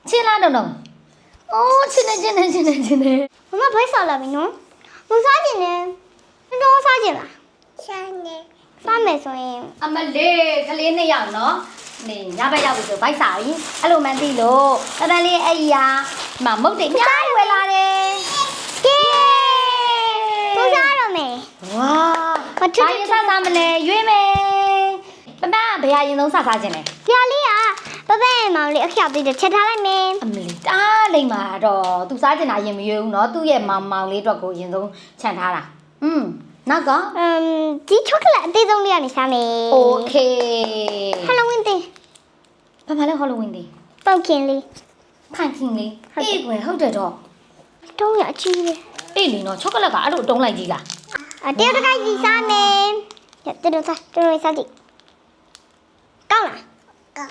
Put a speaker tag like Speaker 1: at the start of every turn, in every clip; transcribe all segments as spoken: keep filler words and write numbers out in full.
Speaker 1: ချင်းလားတော့တော့အိုးချင်းနေချင်းနေချင်းနေချင်းနေ
Speaker 2: မမဘိုက်စားလာပြီနော်မစားကျင်နဲ့တော့စားကျင်လားစားနေစားမယ်ဆိုရင်
Speaker 1: အမလေးကလေးနှစ်ယောက်နော်နေညဘက်ရောက်ပြီဆိုဘိုက်စာပြီအဲ့လိုမှန်းသိလို့တတန်လေးအဲ့ဒီဟာမမုတ်တွေအများကြီးဝယ်လာတယ်
Speaker 2: ကဲတော့စားရမယ်
Speaker 1: ဝါဘာရင်စားစားမလဲရွေးမယ်ပပဘယ်ဟာရင်ဆုံးစားစားခြင်းလဲ
Speaker 2: ပြာလေးကပပရဲ့မောင်လေးအခရောက်သေးတယ်ချက်ထားလိုက်မယ်
Speaker 1: အမလေးတားလိမ့်မှာတော့သူစားကျင်တာရင်မရွေးဘူးနော်သူ့ရဲ့မောင်မောင်လေးအတွက်ကိုရင်ဆုံးခြံထားတာอืมနောက်က
Speaker 2: အမ်ဒီချောကလက်အသေးဆုံးလေးကနေစားမယ်
Speaker 1: โอเค
Speaker 2: ဟယ်လိုဝင်းတင်
Speaker 1: ဘာမှလည်းဟောလိုဝင်းသေး
Speaker 2: ပေါက်ခင်လေး
Speaker 1: ဖန်ခင်လေးအေးကွယ်ဟုတ်တယ်တော့
Speaker 2: တုံးရအကြီးပဲ
Speaker 1: အေးလီနော်ချောကလက်ကအဲ့လိုတုံးလိုက်ကြီးလား
Speaker 2: အတေတကိုက်ကြီးစားမယ်ရတေတစားတေတစားကြည့်ကောင်းလားကောင်း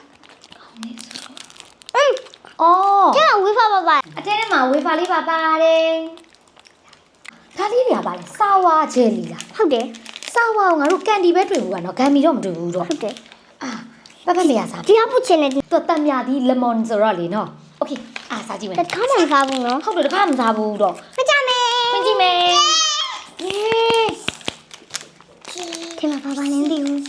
Speaker 2: อืม
Speaker 1: အော်
Speaker 2: ကျန်ဝေးဖပါပါ
Speaker 1: အထဲထဲမှာဝေဖာလေးပါပါတယ်ဒါလေးတွေကပါလေစာဝါဂျယ်လီလား
Speaker 2: ဟုတ်တယ်
Speaker 1: စာဝါကိုငါတို့ကန်ဒီပဲတွေ့ဘူးကနော်ဂမ်မီတော့မတွေ့ဘူးတော့
Speaker 2: ဟုတ်တယ်
Speaker 1: အာပပမေရစား
Speaker 2: ဒီဟာပုတ်ချင်တယ်
Speaker 1: သူတန်မြာဒီလက်မွန်ဆိုတော့လေနော်โอเคအာစားကြည့်မယ်
Speaker 2: တခါမှမစားဘူးနော်
Speaker 1: ဟုတ်တယ်တခါမှမစားဘူးတော့
Speaker 2: မကြမယ်
Speaker 1: ဖွင့်ကြည့်မယ်အေး
Speaker 2: ဒီမှာဘာဘာနင်းဒီဘူး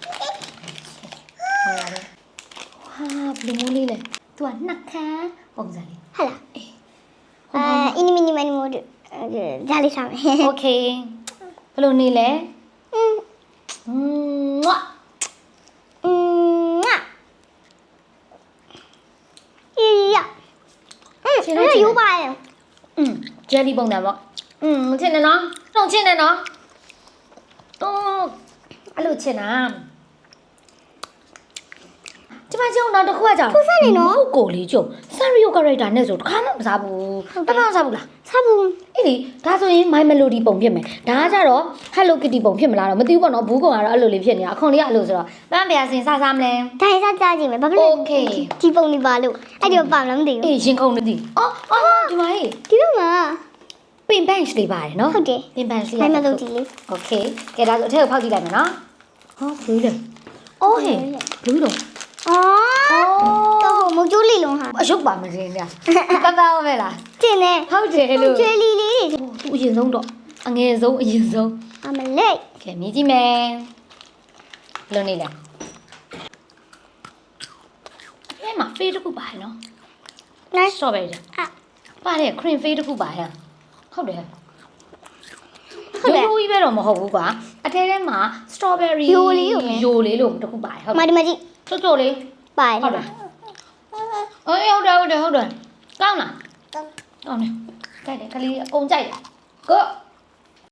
Speaker 1: ဟောရတယ်ဟာဘလူးမိုးလေးလေသူကနှစ်ခမ်းပုံစံလေး
Speaker 2: ဟာလားအဲအင်းမီနီမနီမို့ဒါလေးစားမယ်
Speaker 1: โอเคဘလို့နေလဲ
Speaker 2: อืม
Speaker 1: မွတ်
Speaker 2: อืมอ่ะอีอ่ะอืมนี่อยู่ป่ะ
Speaker 1: อืมเจลลี่ပုံစံပေါ့อืมချင်တယ်နော်တော့ချင်တယ်နော်တော့အဲ့လိုချင်တာဒီမှာကျုံတော့တစ်ခုကကြောင်ဟုတ်ကိုလေးကျုံဆန်ရီယိုကာရက်တာနဲ့ဆိုတခါမှမစားဘူးတခါမစားဘူးလား
Speaker 2: စားဘူး
Speaker 1: အေးလေဒါဆိုရင် My Melody ပုံဖြစ်မယ်ဒါကကြတော့ Hello Kitty ပုံဖြစ်မလားတော့မသိဘူးပေါ့နော်ဘူးကောင်ကတော့အဲ့လိုလေးဖြစ်နေတာအခွန်လေးကအဲ့လိုဆိုတော့ပန်းပြာစင်စားစားမလဲ
Speaker 2: ဒါရစားကြည့်မယ်ဘာဖြစ်လို့ဒီပုံနေပါလို့အဲ့ဒီပါမလားမသိဘူး
Speaker 1: အေးရင်ခုန်နေသည်အော်အော်ဒီမှာဟေး
Speaker 2: ဒီတော့မှာ
Speaker 1: ပင်ပန့်လေးပါတယ်နော်
Speaker 2: ဟုတ်တယ်
Speaker 1: ပင်ပန့်လေး
Speaker 2: မိုင်မလို့ဒီလေး
Speaker 1: โอเคကဲဒါဆိုအထက်ကိုဖောက်ကြည့်လိုက်မယ်နော်ဟောဘူးလေအော်ဟဲ့ဘူးတော့
Speaker 2: อ๋อတော့မကျိုးလီလုံးဟာ
Speaker 1: အယုတ်ပါမစင်းညာတန်တာပဲလား
Speaker 2: တင်နေ
Speaker 1: ဟုတ်တယ်လို့
Speaker 2: ကျွေးလီလေး
Speaker 1: သူအရင်ဆုံးတော့အငယ်ဆုံးအရင်ဆုံး
Speaker 2: အမလေး
Speaker 1: ကဲမြည်ကြည့်မယ်ဘယ်လိုနေလဲအဲမှာဖေးတစ်ခုပါတယ်နော်
Speaker 2: nice
Speaker 1: strawberry
Speaker 2: อ่ะ
Speaker 1: ပါတယ် cream ဖေးတစ်ခုပါဟဲ့ဟုတ်တယ်
Speaker 2: ဟုတ်တယ်
Speaker 1: ရိုးရိုးကြီးပဲတော့မဟုတ်ဘူးကွာအထဲထဲမှာ strawberry
Speaker 2: ယိုလေးကို
Speaker 1: ယိုလေးလို့တစ်ခုပါတယ်ဟုတ်
Speaker 2: မာဒီမာကြီး
Speaker 1: ချို့ချို့လေး
Speaker 2: ပါတ
Speaker 1: ဟုတ်တယ်အေးဟုတ်တယ်ဟုတ်တယ်ဟုတ်တယ်ကောင်းလားကောင်းကောင်းတယ်ကြိုက်တယ်ကလေးအကုန်ကြိုက်တယ်ကို